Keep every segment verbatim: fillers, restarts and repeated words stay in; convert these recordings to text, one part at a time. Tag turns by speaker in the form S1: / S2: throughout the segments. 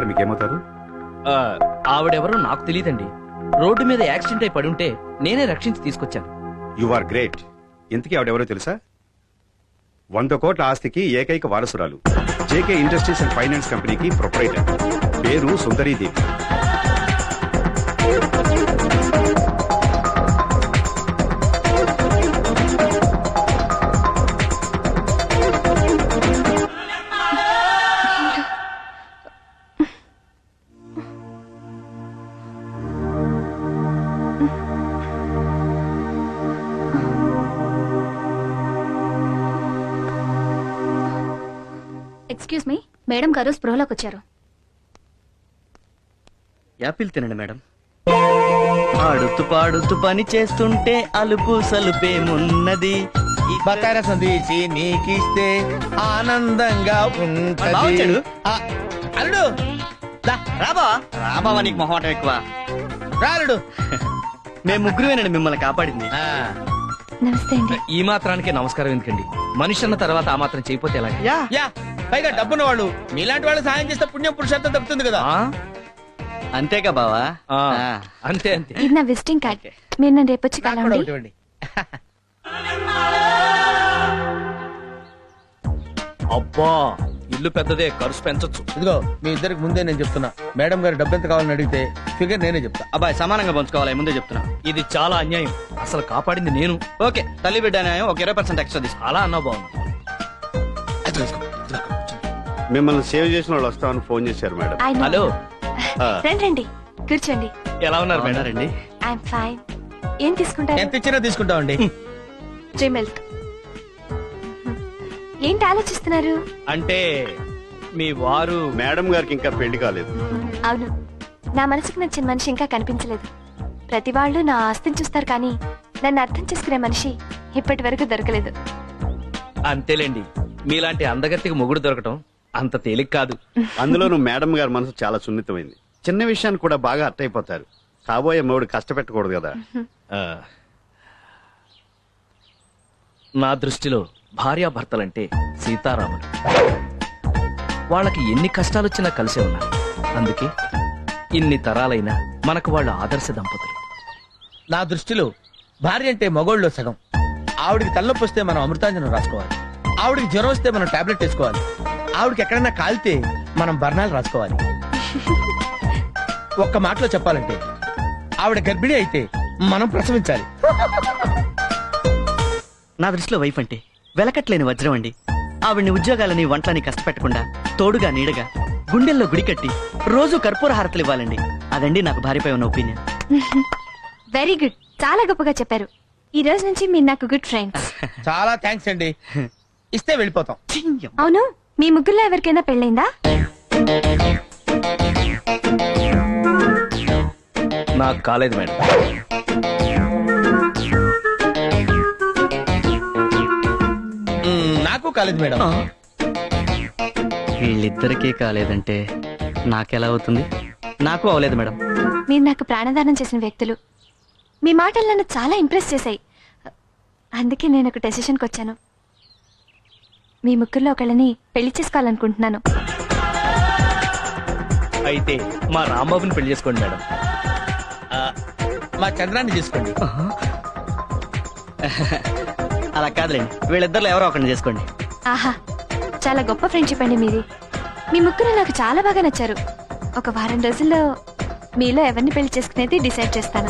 S1: గారు మీకేమవుతారు?
S2: ఆవిడెవరో నాకు తెలియదండి. రోడ్డు మీద యాక్సిడెంట్ అయి పడుంటే నేనే రక్షించి తీసుకొచ్చాను.
S1: You are great. ఇంతకీ ఆవిడెవరో తెలుసా? వంద కోట్ల ఆస్తికి ఏకైక వారసురాలు. జేకే ఇండస్ట్రీస్ అండ్ ఫైనాన్స్ కంపెనీకి ప్రొపరైటర్. పేరు సుందరీదేవి.
S3: ఎక్స్క్యూజ్ మీ, మేడం గారు స్పృహలోకి వచ్చారు.
S4: యాపిల్ తినండి మేడం. ఆడుతూ పాడుతూ పని చేస్తుంటే అలుపు సలుపేమున్నది.
S5: బకార సందేశి నీకిస్తే ఆనందంగా ఉంటది. అల్లుడు
S4: రాబా రాబావా, నీకు మొహమాటం ఎక్కువ.
S5: రాలుడు.
S4: మేము ముగ్గురువేనండి మిమ్మల్ని కాపాడింది.
S3: నమస్తే అండి.
S2: ఈ మాత్రానికే నమస్కారం ఎందుకండి? మనిషి అన్న తర్వాత ఆ మాత్రం చేయపోతే ఎలా?
S4: యా
S5: యా పైగా డబ్బున్న వాళ్ళు మీలాంటి వాళ్ళు సాయం చేస్తే పుణ్యం పురుషార్థం దక్కుతుంది కదా.
S4: అంతేగా బావా.
S2: ఆ, అంతే అంతే.
S3: ఇది నా విజిటింగ్ కార్డ్. మీరు నన్ను రేపు వచ్చి
S5: నాకు కూడా
S3: కలవండి.
S5: ఒకటి ఇవ్వండి.
S2: అబ్బా, ఇల్లు పెద్దదే, ఖర్చు పెంచొచ్చు.
S5: ఇదిగో మీ ఇద్దరికి ముందే నేను చెప్తున్నా, మేడం గారు డబ్బు ఎంత కావాలని అడిగితే ఫిగర్ నేనే చెప్తా.
S4: అబ్బాయి సమానంగా పంచుకోవాలి, ముందే చెప్తున్నా.
S2: ఇది చాలా అన్యాయం. అసలు కాపాడింది నేను.
S4: ఓకే, తల్లి బిడ్డ న్యాయం ఒక ఇరవై పర్సెంట్ ఎక్స్ట్రా తీసుకో.
S2: అలా అన్నా బాగుంది.
S1: మిమ్మల్ని సేవ్ చేసిన వాళ్ళు వస్తామని ఫోన్ చేశారు మేడం.
S3: I know.
S2: హలో,
S3: రండి రండి, కూర్చోండి.
S2: ఎలా ఉన్నారు మేడం?
S4: రండి.
S3: I'm fine. ఏం తీసుకుంటారు?
S5: ఎంత ఇచ్చినా తీసుకుంటామండి.
S3: డ్రీ మిల్క్. ఏంటి ఆలోచిస్తున్నారు?
S2: అంటే మీ వారు
S1: మేడం గారికి ఇంకా పెళ్లి కాలేదు.
S3: అవును, నా మనసుకు నచ్చిన మనిషి ఇంకా కనిపించలేదు. ప్రతి వాళ్ళు నా ఆస్తిని చూస్తారు, కానీ నన్ను అర్థం చేసుకునే మనిషి ఇప్పటి వరకు దొరకలేదు.
S2: అంతేలేండి, మీలాంటి అందగత్తికి మొగుడు దొరకటం అంత తేలిక కాదు.
S1: అందులోనూ మేడం గారి మనసు చాలా సున్నితమైంది. చిన్న విషయాన్ని కూడా బాగా అర్థైపోతారు. కాబోయే మొగుడు కష్టపెట్టకూడదు కదా.
S2: ఆ, నా దృష్టిలో భార్యాభర్తలంటే సీతారాములు. వాళ్ళకి ఎన్ని కష్టాలొచ్చినా కలిసే ఉన్నారు. అందుకే ఇన్ని తరాలైనా మనకు వాళ్ళు ఆదర్శ దంపతులు.
S5: నా దృష్టిలో భార్య అంటే మగోళ్ళలో సగం. ఆవిడికి తలనొప్పి వస్తే మనం అమృతాంజనం రాసుకోవాలి. ఆవిడికి జ్వరం వస్తే మనం టాబ్లెట్ వేసుకోవాలి. ఆవిడకి ఎక్కడైనా కాలితే మనం బర్ణాలు రాసుకోవాలి. ఒక్క మాటలో చెప్పాలంటే ఆవిడ గర్భిణి అయితే మనం ప్రసవించాలి.
S4: నా దృష్టిలో వైఫ్ అంటే వెలకట్లేని వజ్రం అండి. ఆవిడ్ని ఉద్యోగాలని వంటలని కష్టపెట్టకుండా తోడుగా నీడగా గుండెల్లో గుడి కట్టి రోజు కర్పూర హారతలు ఇవ్వాలండి. అదండి నాకు భార్యపై ఉన్న ఒపీనియన్.
S3: వెరీ గుడ్, చాలా గొప్పగా చెప్పారు. ఈ రోజు నుంచి మీరు నాకు గుడ్ ఫ్రెండ్స్.
S5: చాలా థ్యాంక్స్ అండి. ఇస్తే వెళ్ళిపోతాం.
S3: అవును, మీ ముగ్గురులో ఎవరికైనా పెళ్ళైందా?
S2: నాకు కాలేదు మేడం.
S5: మ్మ్, నాకు కాలేదు మేడం.
S4: వీళ్ళిద్దరికీ కాలేదంటే నాకెలా అవుతుంది? నాకు అవలేదు మేడం.
S3: మీరు నాకు ప్రాణదానం చేసిన వ్యక్తులు. మీ మాటలు నన్ను చాలా ఇంప్రెస్ చేశాయి. అందుకే నేను ఒక డెసిషన్కి వచ్చాను. మీ ముగ్గురులో ఒకళ్ళని పెళ్లి చేసుకోవాలనుకుంటున్నాను.
S2: అయితే మా రాంబాబుని పెళ్లి చేసుకోండి మేడం.
S5: ఆ, మా చంద్రాన్ని తీసుకోండి.
S4: అలా కాదులేండి, వీళ్ళిద్దరిలో ఎవరో ఒకరిని చేసుకోండి.
S3: ఆహా, చాలా గొప్ప ఫ్రెండ్షిప్ అండి మీది. మీ ముగ్గురు నాకు చాలా బాగా నచ్చారు. ఒక వారం రోజుల్లో మీలో ఎవరిని పెళ్లి చేసుకునేది డిసైడ్ చేస్తాను.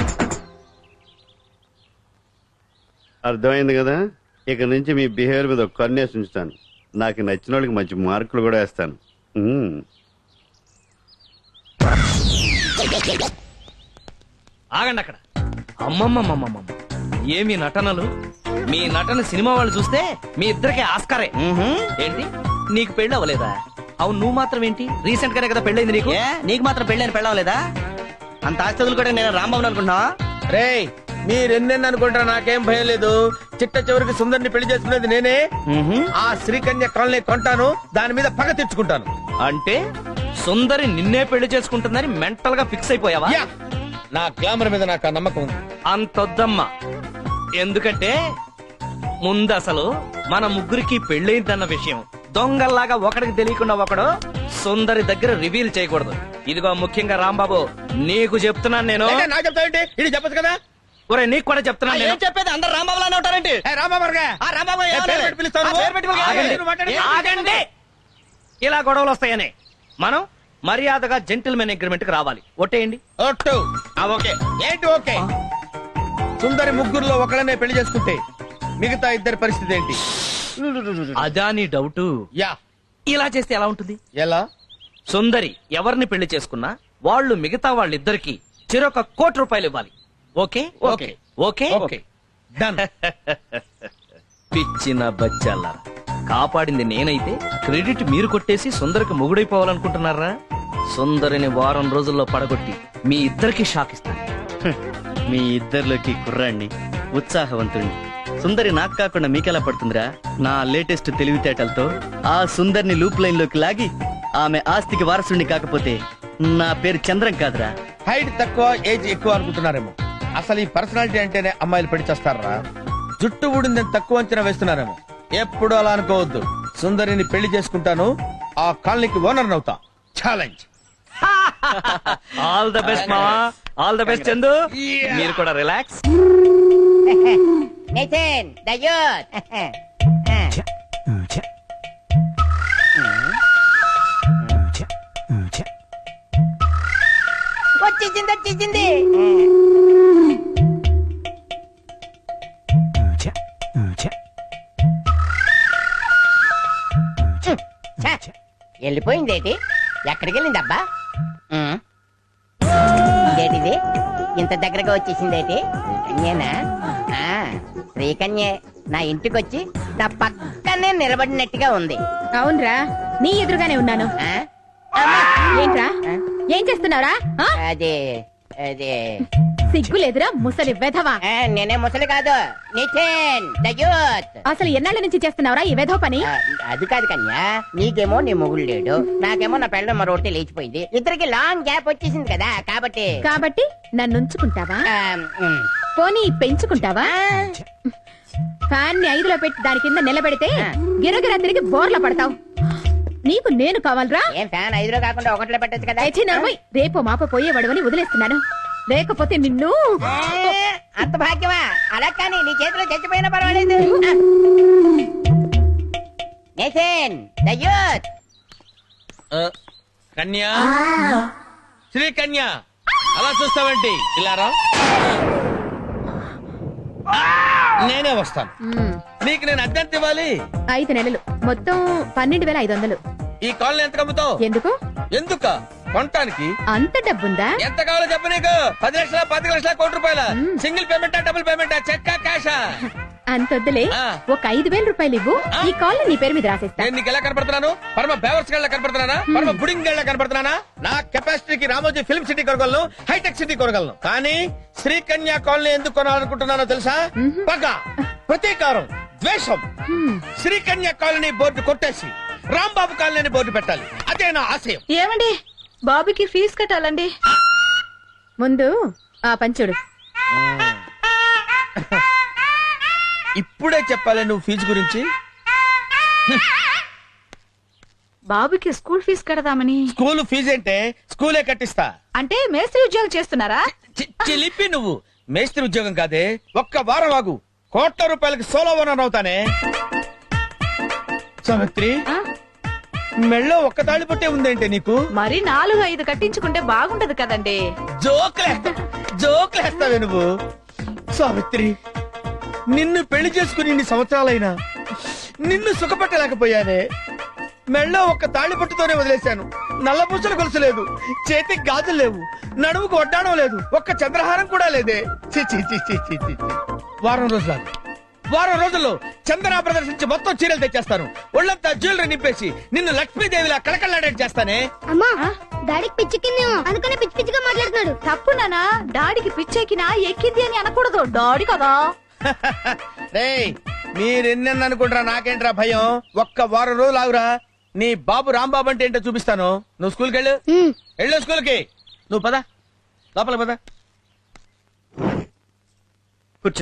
S1: అర్థమైంది కదా. ఇక నుంచి మీ బిహేవియర్ మీద ఒక కన్నేసి ఉంచుతాను. నాకు నచ్చిన వాళ్ళకి మంచి మార్కులు కూడా వేస్తాను. ఉమ్.
S2: ఆగండి అక్కడ. అమ్మమ్మమ్మమ్మమ్మ, ఏమి నటనలు! మీ నటన సినిమా వాళ్ళు చూస్తే మీ ఇద్దరికి ఆస్కారే. ఏంటి, నీకు పెళ్ళి అవ్వలేదా? అవును, నువ్వు మాత్రం ఏంటి, రీసెంట్ గానే కదా పెళ్ళైంది నీకు.
S4: ఏ, నీకు మాత్రం పెళ్ళని పెళ్ళవలేదా? అంత ఆస్తి కూడా నేను రాంబాబుని అనుకుంటున్నావా?
S5: రేయ్, మీరెన్నెన్ని అనుకుంటారా, నాకేం భయం లేదు. చిట్ట చివరికి సుందరిని పెళ్లి చేసుకునేది నేనే. ఆ శ్రీకన్య కాలనీ కొంటాను, దాని మీద పగ తెచ్చుకుంటాను.
S2: అంటే సుందరి నిన్నే పెళ్లి చేసుకుంటుందని మెంటల్ గా ఫిక్స్ అయిపోయావా?
S5: యా, నా గ్లామర్ మీద నాకు ఆ నమ్మకం ఉంది.
S2: అంతొద్దమ్మా. ఎందుకంటే ముందు అసలు మన ముగ్గురికి పెళ్ళైందన్న విషయం దొంగల్లాగా ఒకడికి తెలియకుండా ఒకడు సుందరి దగ్గర రివీల్ చేయకూడదు. ఇదిగో ముఖ్యంగా రాంబాబు నీకు చెప్తున్నాను నేను.
S5: ఏంటి, నాకు చెప్తావేంటి? ఇది చెప్పచ్చు కదా.
S2: ఒరే నీకు కూడా చెప్తున్నాను నేను.
S4: ఏం చెప్పేది అందరు రాంబాబులానే ఉంటారేంటి?
S5: ఏ, రాంబాబుగా.
S4: ఆ రాంబాబు
S5: ఏ,
S4: ఏమనాలి?
S5: పేరు పెట్టి పిలుస్తావు నువ్వు?
S4: ఆ, పేరు పెట్టి పిలుస్తావు.
S5: ఆగండి.
S4: ఆగండి.
S5: నువ్వు మాట్లాడు.
S2: ఆగండి. ఇలా గొడవలు వస్తాయని మనం మర్యాదగా జెంటిల్మెన్ అగ్రిమెంట్ కి రావాలి. ఒట్టేయండి.
S5: ఒట్టు. ఆ, ఓకే. ఏంటి ఓకే? సుందరి ముగ్గురులో ఒకళ్ళనే పెళ్లి చేసుకుంటే మిగతా ఇద్దరి పరిస్థితి ఏంటి?
S2: అదా నీ డౌట్?
S5: యా.
S2: ఇలా చేస్తే ఎలా ఉంటుంది?
S5: ఎలా?
S2: సుందరి ఎవరిని పెళ్లి చేసుకున్నా వాళ్ళు మిగతా వాళ్ళిద్దరికి చెరొక కోటి రూపాయలు ఇవ్వాలి. Okay
S5: okay.
S2: Okay
S5: okay. Done.
S2: పిచ్చిన బచ్చాల కాపాడింది నేనైతే క్రెడిట్ మీరు కొట్టేసి సుందరికి మొగుడైపోవాలనుకుంటున్నారా? సుందరిని వారం రోజుల్లో పడగొట్టి మీ ఇద్దరికి షాక్ ఇస్తాను.
S4: మీ ఇద్దరిలోకి కుర్రాణ్ణి, ఉత్సాహవంతుణ్ణి. సుందరి నాకు కాకుండా మీకెలా పడుతుందిరా? నా లేటెస్ట్ తెలివితేటలతో ఆ సుందరిని లూప్ లైన్ లోకి లాగి ఆమె ఆస్తికి వారసుడిని కాకపోతే నా పేరు చంద్రం కాదురా.
S5: హైట్ తక్కువ ఏజ్ ఎక్కువ అనుకుంటున్నారేమో. అసలు ఈ పర్సనాలిటీ అంటేనే అమ్మాయిలు పెళ్లి చేస్తారా? జుట్టు ఊడిందని తక్కువ అంచనా వేస్తున్నారేమో. ఎప్పుడు అలా అనుకోవద్దు. సుందరిని పెళ్లి చేసుకుంటాను, ఆ కాలనీకి ఓనర్ అవుతా. ఛాలెంజ్.
S2: ఆల్ ద బెస్ట్ మావా, ఆల్ ద బెస్ట్ చందు. మీరు కూడా రిలాక్స్.
S6: Nitin the youth. వచ్చేసింది వచ్చేసింది. ఛ, వెళ్ళిపోయిందేటి? ఎక్కడికి వెళ్ళింది అబ్బా? ఇదేటిది ఇంత దగ్గరగా వచ్చేసిందేటి? శ్రీకన్యేనా? ఆ, శ్రీకన్యే నా ఇంటికి వచ్చి నా పక్కనే నిలబడినట్టుగా ఉంది.
S7: అవునరా, నీ ఎదురుగానే ఉన్నాను.
S6: ఆ? అమ్మా!
S7: ఏంట్రా,
S6: ఆ?
S7: ఏం చేస్తున్నారా? ఆ?
S6: అదే అదే
S7: సిగ్గులేదురా ముసలి వెధవా.
S6: ఆ, నేనే ముసలి కాదు, నితిన్ ద యూత్.
S7: అసలు ఎన్నాళ్ళ నుంచి చేస్తున్నావురా ఈ వెధవ పని?
S6: ఆ, అది కాదు కన్యా, నీకేమో నీ మొగుడు లేడు, నాకేమో నా పెళ్ళ మరొకటి లేచిపోయింది. ఇద్దరికి లాంగ్ గ్యాప్ వచ్చేసింది కదా, కాబట్టి
S7: కాబట్టి నన్ను ఉంచుకుంటావా?
S6: ఆ, ఉమ్.
S7: పోనీ పెంచుకుంటావా? ఫ్యాన్ ని ఐదులో పెట్టి దాని కింద నిలబెడితే
S6: ఆ.
S7: గిరగిరా తిరిగి బోర్ల పడతావు. నీకు నేను కావాలరా?
S6: ఏం ఫ్యాన్ ఐదులో కాకుండా ఒకటిలో పెట్టచ్చు కదా.
S7: అయితే నవ్వయ్, రేపు మాప పోయేవాడు అని వదిలేస్తున్నాను. లేకపోతే నిన్ను
S6: ఆ, అంత భాగ్యమా? అలా కానీ నీ చేతిలో చచ్చిపోయినా పర్వాలేదు. ఆ. Nitin the youth.
S5: ఆ, కన్యా, శ్రీ కన్యా, అలా చూస్తావేంటి? ఇలా రా. నేనే వస్తాను.
S7: మ్మ్.
S5: నీకు నేను అద్దెంత ఇవ్వాలి?
S7: ఐదు నెలలు మొత్తం పన్నెండు వేల ఐదు వందలు.
S5: ఈ కాలనీ ఎంత కమ్ముతావు?
S7: ఎందుకు?
S5: ఎందుక? కొనటానికి.
S7: అంత డబ్బుందా?
S5: ఎంత కావాలో చెప్పు. నీకు పది లక్షల పది లక్షల కోటి రూపాయల
S7: మ్మ్.
S5: Single పేమెంటా double పేమెంటా చెక్కా క్యాషా?
S7: అంతొద్దులే,
S5: ఆ.
S7: ఒక ఐదు వేల రూపాయలు ఇవ్వు,
S5: ఆ.
S7: ఈ కాల్ నీ పేరు మీద రాసేస్తా.
S5: నేను నీకు ఎలా కనపడుతున్నాను? పరమ బేవర్స్ గళ్ళ కనపడుతున్నానా? పరమ బుడింగ్ గళ్ళ కనపడుతున్నానా? నా కెపాసిటీకి రామోజీ ఫిల్మ్ సిటీ కొనగలను, హైటెక్ సిటీ కొనగలను. కానీ శ్రీకన్యా కాలనీ ఎందుకు కొనాలనుకుంటున్నానో తెలుసా? పగ, ప్రతీకారం, ద్వేషం.
S7: హ్మ్.
S5: శ్రీకన్యా కాలనీ బోర్డు కొట్టేసి రాంబాబు కాలనీ బోర్డు పెట్టాలి. అదే నా ఆశయం.
S7: ఏమండి, బాబుకి ఫీజు కట్టాలండి. ముందు ఆ పంచుడు.
S5: ఇప్పుడే చెప్పాలి నువ్వు ఫీజు గురించి?
S7: బాబుకి స్కూల్ ఫీజు కడదామని.
S5: స్కూల్ ఫీజు అంటే స్కూలే కట్టిస్తా.
S7: అంటే మేస్త్రి ఉద్యోగం చేస్తున్నారా?
S5: చి- చిలిపి నువ్వు. మేస్త్రి ఉద్యోగం కాదే, ఒక్క వారం ఆగు, కోట్ల రూపాయలకి సోలో ఓనర్ అవుతానే. సావిత్రి,
S7: ఆ?
S5: మెళ్ళో ఒక్క తాళి పట్టే ఉందేంటే నీకు?
S7: మరి నాలుగు ఐదు కట్టించుకుంటే బాగుంటది కదండి.
S5: జోకులేస్తా జోకులేస్తావే నువ్వు. సావిత్రి, నిన్ను పెళ్లి చేసుకుని ఇన్ని సంవత్సరాలైనా నిన్ను సుఖపెట్టలేకపోయానే. మెళ్ళో ఒక్క తాళి పట్టుతోనే వదిలేశాను. నల్లపూసలు గొలుసు లేదు, చేతికి గాజులు లేవు, నడుముకు వడ్డాణం లేదు, ఒక్క చంద్రహారం కూడా లేదే. చి చి చి చి చి చి. వారం రోజులు ఆగు. వారం రోజుల్లో చందన ప్రదర్శించి మొత్తం చీరలు తెచ్చేస్తాను. ఒళ్ళంతా జ్యువెలరీ నింపేసి నిన్ను లక్ష్మీదేవిలా కళకళలాడేట్ చేస్తానే.
S8: అమ్మా, డాడీకి పిచ్చెక్కిందేమో అందుకనే పిచ్చి పిచ్చిగా మాట్లాడుతున్నాడు.
S7: తప్పు నానా, డాడీకి పిచ్చెక్కినా ఎక్కింది అని అనకూడదు. డాడీ కదా.
S5: రేయ్, మీరెన్నెన్న అనుకుంటారా, నాకేంట్రా భయం. ఒక్క వారం రోజులు ఆగురా, నీ బాబు రాంబాబు అంటే ఏంటో చూపిస్తాను. నువ్వు స్కూల్కి వెళ్ళు. వెళ్ళు స్కూల్కి. నువ్వు పద, లోపల పద.
S4: కూర్చో.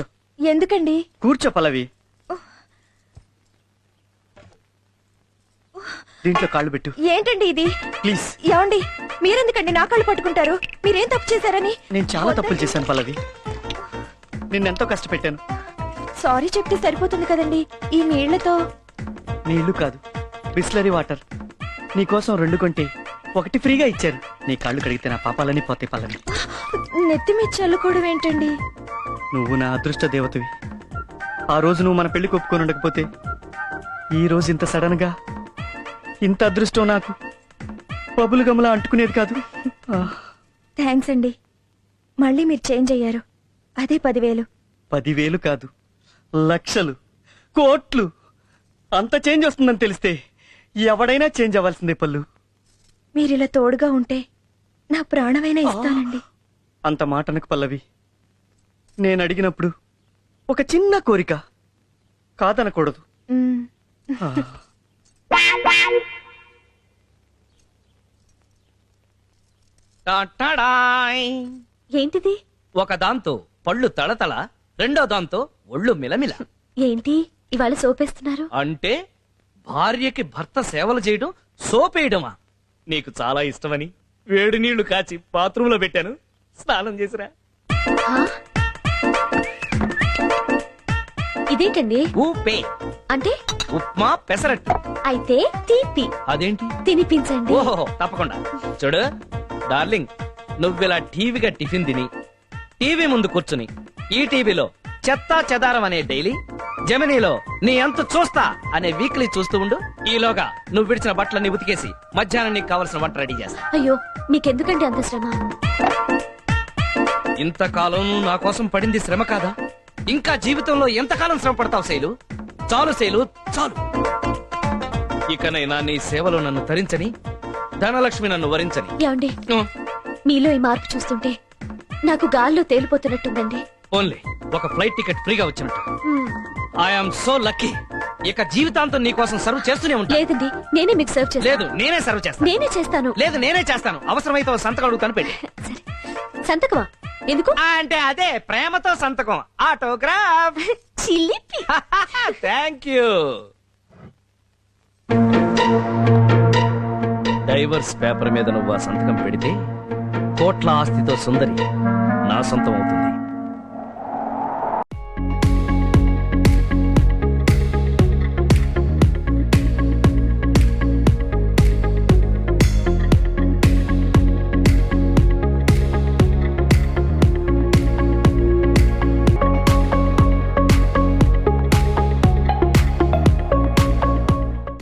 S3: ఎందుకండి?
S4: కూర్చో పల్లవి. దీంట్లో కాళ్ళు పెట్టు
S3: ఏంటండి ఇది
S4: ప్లీజ్.
S3: ఏమండి మీరెందుకండి నా కాళ్ళు పట్టుకుంటారు? మీరేం తప్పు చేశారని?
S4: నేను చాలా తప్పులు చేశాను పల్లవి, నిన్నెంతో కష్టపెట్టాను.
S3: సారీ చెప్తే సరిపోతుంది కదండి. ఈ నీళ్లతో
S4: నీళ్లు కాదు, బిస్లరీ వాటర్. నీకోసం రెండు కొంటే ఒకటి ఫ్రీగా ఇచ్చారు. నీ కాళ్ళు కడిగితే నా పాపాలని పోతే పల్లవి.
S3: నెత్తి మీద చల్లుకోవడం ఏంటండి?
S4: నువ్వు నా అదృష్ట దేవతవి. ఆ రోజు నువ్వు మన పెళ్లి ఒప్పుకొని ఉండకపోతే ఈ రోజు ఇంత సడన్ గా ఇంత అదృష్టం నాకు బబులు గమలా అంటుకునేది కాదు. ఆ,
S3: థ్యాంక్స్ అండి. మళ్ళీ మీరు చేంజ్ అయ్యారు. అదే పదివేలు.
S4: పదివేలు కాదు, లక్షలు, కోట్లు, అంత చేంజ్ వస్తుందని తెలిస్తే ఎవడైనా చేంజ్ అవ్వాల్సిందే పల్లు.
S3: మీరిలా తోడుగా ఉంటే నా ప్రాణమైనా ఇస్తానండి.
S4: అంత మాటనకు పల్లవి. నేను అడిగినప్పుడు ఒక చిన్న కోరిక కాదనకూడదు.
S3: మ్మ్.
S4: ఆ.
S2: టాటాడాయ్.
S3: ఏంటిది?
S2: ఒక దాంతో పళ్ళు తళతళ, రెండో దాంతో ఒళ్ళు మిలమిల.
S3: ఏంటి ఇవాళ సోపేస్తున్నారు?
S2: అంటే భార్యకి భర్త సేవలు చేయడం సోపేయడమా? నీకు చాలా ఇష్టమని వేడి నీళ్లు కాచి బాత్రూంలో పెట్టాను, స్నానం చేసిరా.
S3: హా? ఇదేంటండి?
S2: ఊపే
S3: అంటే
S2: ఉప్మా పెసరట్టు.
S3: అయితే తీపి
S2: అదేంటి?
S3: తినిపించండి.
S2: ఓహో తప్పకుండా. చూడు డార్లింగ్, నువ్విలా టీవీగా టిఫిన్ తిని టీవీ ముందు కూర్చుని ఈ టీవీలో చెత్తా చెదారం అనే డైలీ, జమినీలో నీ అంత చూస్తా అనే వీక్లీ చూస్తూ ఉండు. ఈలోగా నువ్వు విడిచిన బట్టలన్నీ ఉతికేసి మధ్యాహ్నం నీకు కావలసిన వంట రెడీ చేస్తా.
S3: అయ్యో మీకెందుకండి అంత శ్రమ?
S2: ఇంతకాలం నువ్వు నా కోసం పడింది శ్రమ కాదా? ఇంకా జీవితంలో ఎంతకాలం శ్రమ పడతావు శైలు? చాలు శైలు, చాలు. ఇకనైనా నీ సేవలో నన్ను తరించని, ధనలక్ష్మి నన్ను వరించని.
S3: ఏమండి
S2: ఉ,
S3: మీలో ఈ మార్పు చూస్తుంటే నాకు గాల్లో తేలిపోతున్నట్టుందండి.
S2: ఓన్లీ ఒక ఫ్లైట్ టికెట్ ఫ్రీగా వచ్చినట్టు.
S3: మ్మ్.
S2: I'm so lucky. ఇక జీవితాంతం నీ కోసం సర్వ్ చేస్తూనే ఉంటా.
S3: లేదండి నేనే మీకు సర్వ్ చేస్తాను.
S2: లేదు నేనే సర్వ్ చేస్తాను.
S3: నేనే చేస్తాను.
S2: లేదు నేనే చేస్తాను. అవసరమైతే ఓ సంతకం అడుగుతాను, పెట్టి.
S3: సరే సంతకమా? ఎందుకు?
S2: ఆ, అంటే అదే ప్రేమతో సంతకం, ఆటోగ్రాఫ్.
S3: చిలిపి.
S2: Thank you. డైవర్స్ పేపర్ మీద నువ్వు ఆ సంతకం పెడితే కోట్ల ఆస్తితో సుందరి నా సొంతం అవుతుంది.